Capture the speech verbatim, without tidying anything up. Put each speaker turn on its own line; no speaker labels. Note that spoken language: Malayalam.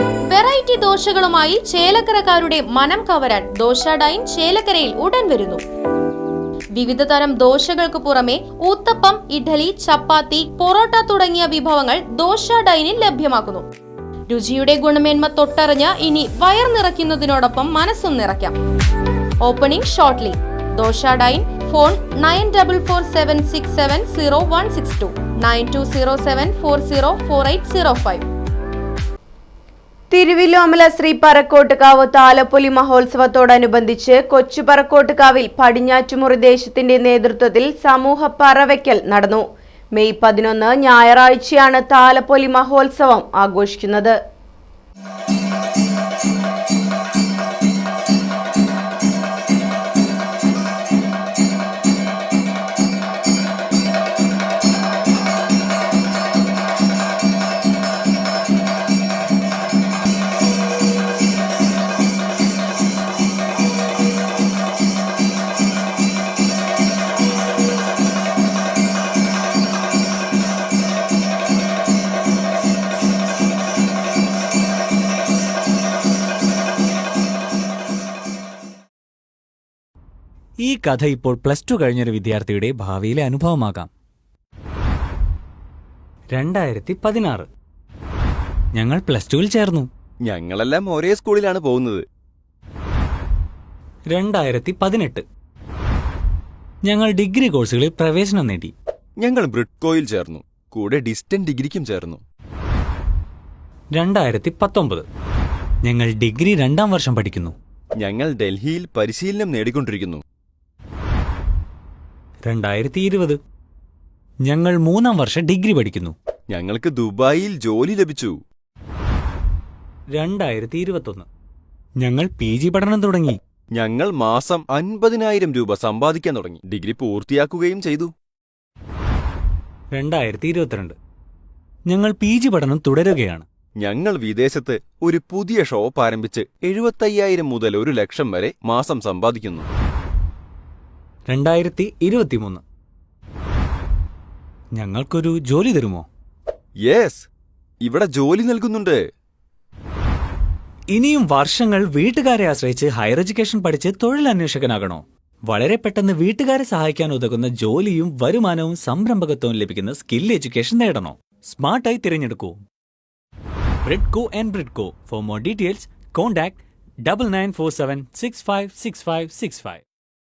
വെറൈറ്റി ദോശകളുമായി ചേലക്കരക്കാരുടെ മനം കവരാൻ ദോശ ഡൈൻ ചേലക്കരയിൽ ഉടൻ വരുന്നു. വിവിധ തരം ദോശകൾക്ക് പുറമെ ഊത്തപ്പം, ഇഡ്ഡലി, ചപ്പാത്തി, പൊറോട്ട തുടങ്ങിയ വിഭവങ്ങൾ ദോശ ഡൈനിൽ ലഭ്യമാക്കുന്നു. രുചിയുടെ ഗുണമേന്മ തൊട്ടറിഞ്ഞ് ഇനി വയർ നിറയ്ക്കുന്നതിനോടൊപ്പം മനസ്സും നിറയ്ക്കാം. Opening shortly. Dosa dine. Phone nine double four seven six seven zero one six two nine two zero seven four zero four eight zero five.
Thiruvillomala Sri Parakkottukavu Thalappoli മഹോത്സവത്തോടനുബന്ധിച്ച് കൊച്ചു പറക്കോട്ടുകാവിൽ പടിഞ്ഞാറ്റുമുറി ദേശത്തിന്റെ നേതൃത്വത്തിൽ സമൂഹ പറവയ്ക്കൽ നടന്നു. മെയ് പതിനൊന്ന് ഞായറാഴ്ചയാണ് താലപ്പൊലി മഹോത്സവം ആഘോഷിക്കുന്നത്.
ഈ കഥ ഇപ്പോൾ പ്ലസ് ടു കഴിഞ്ഞൊരു വിദ്യാർത്ഥിയുടെ ഭാവിയിലെ അനുഭവമാകാം. രണ്ടായിരത്തി പതിനാറ് ഞങ്ങൾ പ്ലസ് ടുവിൽ ചേർന്നു.
ഞങ്ങളെല്ലാം ഒരേ സ്കൂളിലാണ് പോകുന്നത്.
രണ്ടായിരത്തി പതിനെട്ട് ഞങ്ങൾ ഡിഗ്രി കോഴ്സുകളിൽ പ്രവേശനം നേടി.
ഞങ്ങൾ ബ്രിഡ്കോയിൽ ചേർന്നു. കൂടെ ഡിസ്റ്റന്റ് ഡിഗ്രിക്കും ചേർന്നു.
രണ്ടായിരത്തി പത്തൊമ്പത് ഞങ്ങൾ ഡിഗ്രി രണ്ടാം വർഷം പഠിക്കുന്നു.
ഞങ്ങൾ ഡൽഹിയിൽ പരിശീലനം നേടിക്കൊണ്ടിരിക്കുന്നു.
രണ്ടായിരത്തി ഇരുപത് ഞങ്ങൾ മൂന്നാം വർഷം ഡിഗ്രി പഠിക്കുന്നു.
ഞങ്ങൾക്ക് ദുബായിൽ ജോലി ലഭിച്ചു.
രണ്ടായിരത്തി ഇരുപത്തൊന്ന് ഞങ്ങൾ പി ജി പഠനം തുടങ്ങി.
ഞങ്ങൾ മാസം അൻപതിനായിരം രൂപ സമ്പാദിക്കാൻ തുടങ്ങി. ഡിഗ്രി പൂർത്തിയാക്കുകയും ചെയ്തു.
രണ്ടായിരത്തി ഇരുപത്തിരണ്ട് ഞങ്ങൾ പി ജി പഠനം തുടരുകയാണ്.
ഞങ്ങൾ വിദേശത്ത് ഒരു പുതിയ ഷോപ്പ് ആരംഭിച്ച് എഴുപത്തയ്യായിരം മുതൽ ഒരു ലക്ഷം വരെ മാസം സമ്പാദിക്കുന്നു.
രണ്ടായിരത്തി ഇരുപത്തിമൂന്ന് ഞങ്ങൾക്കൊരു ജോലി തരുമോ?
യെസ്, ഇവിടെ ജോലി നൽകുന്നുണ്ട്.
ഇനിയും വർഷങ്ങൾ വീട്ടുകാരെ ആശ്രയിച്ച് ഹയർ എഡ്യൂക്കേഷൻ പഠിച്ച് തൊഴിലന്വേഷകനാകണോ? വളരെ പെട്ടെന്ന് വീട്ടുകാരെ സഹായിക്കാൻ ഉതകുന്ന ജോലിയും വരുമാനവും സംരംഭകത്വവും ലഭിക്കുന്ന സ്കിൽ എഡ്യൂക്കേഷൻ നേടണോ? സ്മാർട്ടായി തിരഞ്ഞെടുക്കൂ Bridco and Bridco. For more details contact double nine four seven six five six five six five.